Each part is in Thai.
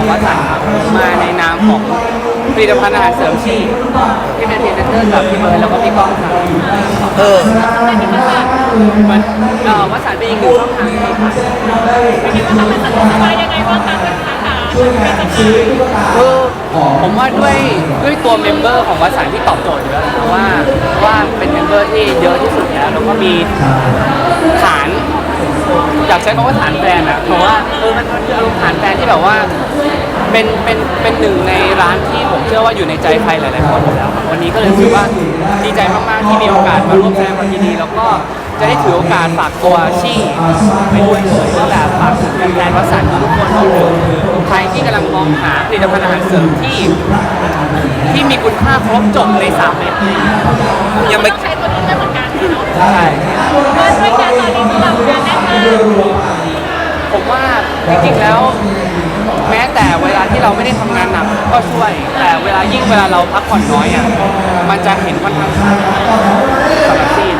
วัสันต์ครับมาในนามของผลิตภัณฑ์อาหารเสริมชีที่เป็นพรีเซนเตอร์กับพี่เบิร์ดแล้วก็พี่ก้องครับมันวัสันต์เป็นอีกหนึ่งช่องทางที่ค่ะคิดว่าเขาเป็นสนุกสบายยังไงบ้างคะเป็นสาขาคือผมว่าด้วยตัวเมมเบอร์ของวัสันต์ที่ตอบโจทย์อยู่แล้วว่าเป็นเมมเบอร์ที่เยอะที่สุดแล้วก็มีฐานอยากใช้คำว่าฐานแฟนอ่ะเพราะว่ามันคืออารมณ์ฐานแฟนที่แบบว่าเป็นหนึ่งในร้านที่ผมเชื่อว่าอยู่ในใจใครหลายๆคนอยู่แล้ววันนี้ก็เลยรู้สึกว่าดีใจมากๆที่มีโอกาสมาร่วมแสดงความยินดีแล้วก็จะได้ถือโอกาสฝากตัวชี่ไปด้วยเลยว่าแบบฝากถึงแฟนๆวัสันต์ทุกคนใครที่กำลังมองหาผลิตภัณฑ์อาหารเสริมที่มีคุณค่าครบจบใน3เม็ดยังไม่ใช้ตัวนี้เหมือนกันเนาะใช่ว่าด้วยการตอนนี้ที่เรางานแน่นมากผมว่าจริงๆแล้วแม้แต่เวลาที่เราไม่ได้ทำงานหนักก็ช่วยแต่เวลาเราพักผ่อนน้อยอ่ะมันจะเห็นค่อนข้างชัดสำหรับซีน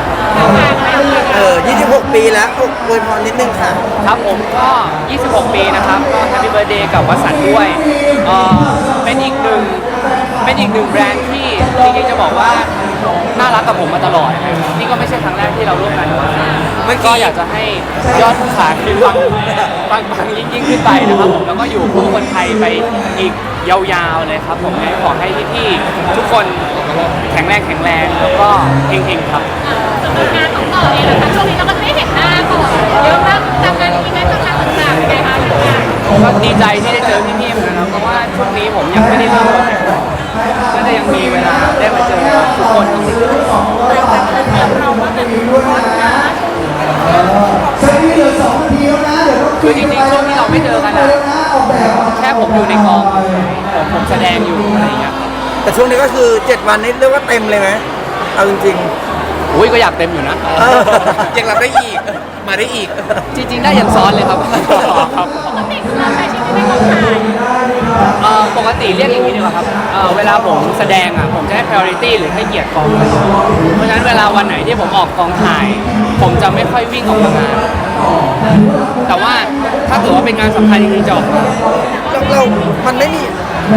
26 ปีแล้วอวยพรนิดนึงค่ะครับผมก็26 ปีนะครับก็แฮปปี้เบิร์ธเดย์กับวัสันต์ด้วยเป็นอีกหนึ่งแบรนด์ที่จริงๆจะบอกว่าน่ารักกับผมมาตลอดนี่ก็ไม่ใช่ครั้งแรกที่เราร่วมงานกับวัสันต์ก็อยากจะให้ยอดขายปังยิ่งขึ้นไปนะครับผมแล้วก็อยู่คู่คนไทยไปอีกยาวๆเลยครับผมขอให้พี่ๆทุกคนแข็งแรงแล้วก็เฮงๆครับสำหรับงานของต่อเองนะคะช่วงนี้เราก็ไม่เห็นหน้าก่อนเยอะมากทำงานอีเวนต์ต่างๆไงคะก็ดีใจที่ได้เจอพี่ๆเหมือนกันนะเพราะว่าช่วงนี้ผมยังไม่ได้เริ่มโปรเจกต์ก็จะยังมีเวลาได้มาเจอทุกคนจริงๆเราว่าเป็นคือจริงๆช่วงที่เราไม่เจอกันอะแค่ผมอยู่ในกองผมแสดงอยู่อะไรอย่างเงี้ยแต่ช่วงนี้ก็คือ7 วันนี้เรียกว่าเต็มเลยไหมเอาจริงๆอุ้ยก็อยากเต็มอยู่นะยังรับได้อีกมาได้อีกจริงๆได้ยันซ้อนเลยครับปกติเราใช้ชีวิตในกองถ่ายปกติเรียกอย่างนี้ดีกว่าครับเวลาผมแสดงอ่ะผมจะให้ priority หรือให้เกียรติกองเพราะฉะนั้นเวลาวันไหนที่ผมออกกองถ่ายผมจะไม่ค่อยวิ่งออกมางานแต่ว่าถ้าถือว่าเป็นงานสำคัญจริงๆจะออกเรามันไม่มี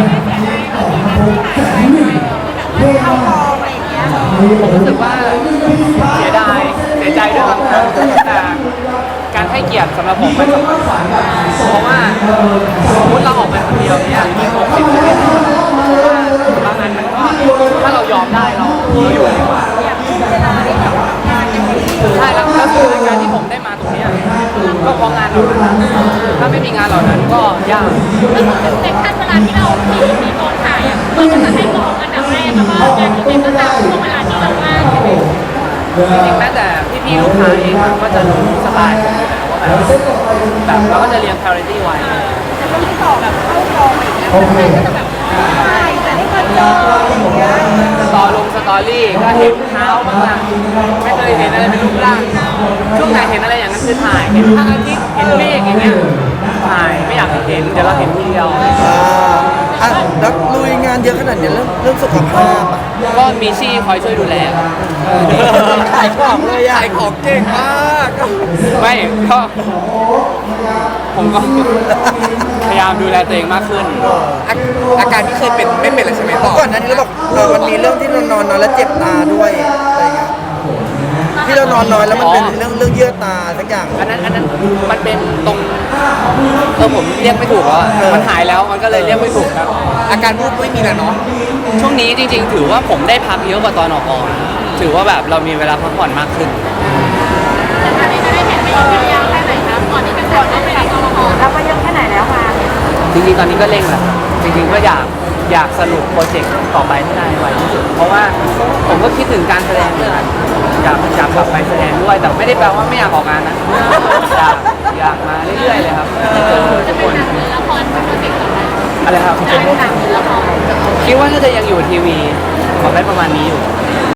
ผมรู้สึกว่าเสียใจด้วยบางครั้งแต่การให้เกียรติสำหรับผมมันสำคัญกว่าเพราะว่าสมมติเราออกไปคนเดียวเนี่ยมี60 ชีวิตบางงานมันก็ถ้าเรายอมได้เราอยู่ดีกว่าใช่แล้วคือการที่ผมได้มาตรงนี้ก็เพราะงานเหล่านั้นถ้าไม่มีงานเหล่านั้นก็ยากในขั้นเวลาที่เรามีกองถ่ายอ่ะเราจะให้มองอันดับแรกแล้วก็งานอีเวนต์ก็ตามช่วงเวลาที่เราว่างใช่ไหมจริงๆแม้แต่พี่ๆลูกค้าเองก็จะรู้สไตล์แบบเราก็จะเรียง priority ไว้แต่ช่วงที่ต่อแบบเข้ากองอะไรอย่างเงี้ยก็จะแบบถ่ายแต่ไม่เคยเจออย่างเงี้ยสตอรี่ก็เห็นเท้าบ้างล่ะไม่เคยเห็นอะไรเป็นรูปร่างช่วงไหนเห็นอะไรอย่างนั้นคือถ่ายเห็นพระอาทิตย์เห็นเมฆอย่างเงี้ยถ่ายไม่อยากเห็นเดี๋ยวเราเห็นทีเดียวแล้วลุยงานเยอะขนาดนี้เรื่องสุขภาพก็มีชี่คอยช่วยดูแลขายของเลยขายของเก่งมากไม่ก็ผมก็พยายามดูแลตัวเองมากขึ้นอาการที่เคยเป็นไม่เป็นเลยใช่ไหมก่อนนั้นเราบอกมันมีเรื่องที่เรานอนแล้วเจ็บตาด้วยอะไรเงี้ยที่เรานอนน้อยแล้วมันเป็นเรื่องเยื่อตาสักอย่างอันนั้นมันเป็นตรงผมเรียกไม่ถูกอ่ะมันหายแล้วมันก็เลยเรียกไม่ถูกครับอาการพูดไม่มีแล้วเนาะช่วงนี้จริงๆถือว่าผมได้พักเยอะกว่าตอนออกกองถือว่าแบบเรามีเวลาพักผ่อนมากขึ้นแต่ตอนนี้จะได้เห็นไปอีกยาวแค่ไหนคะก่อนที่เป็นคนได้ไปกองละครแล้วก็ยังแค่ไหนแล้วคะจริงๆตอนนี้ก็เร่งแหละจริงๆก็อยากสรุปโปรเจกต์ต่อไปให้ได้ไวที่สุดเพราะว่าผมก็คิดถึงการแสดงด้วยอยากกลับไปแสดงด้วยแต่ไม่ได้แปลว่าไม่อยากออกงานนะอยากมาเรื่อยๆเลยครับเจอทุกคนละครเป็นโปรเจกต์ต่อไปอะไรครับหนังละครคิดว่าน่าจะยังอยู่ทีวีขอได้ประมาณนี้อยู่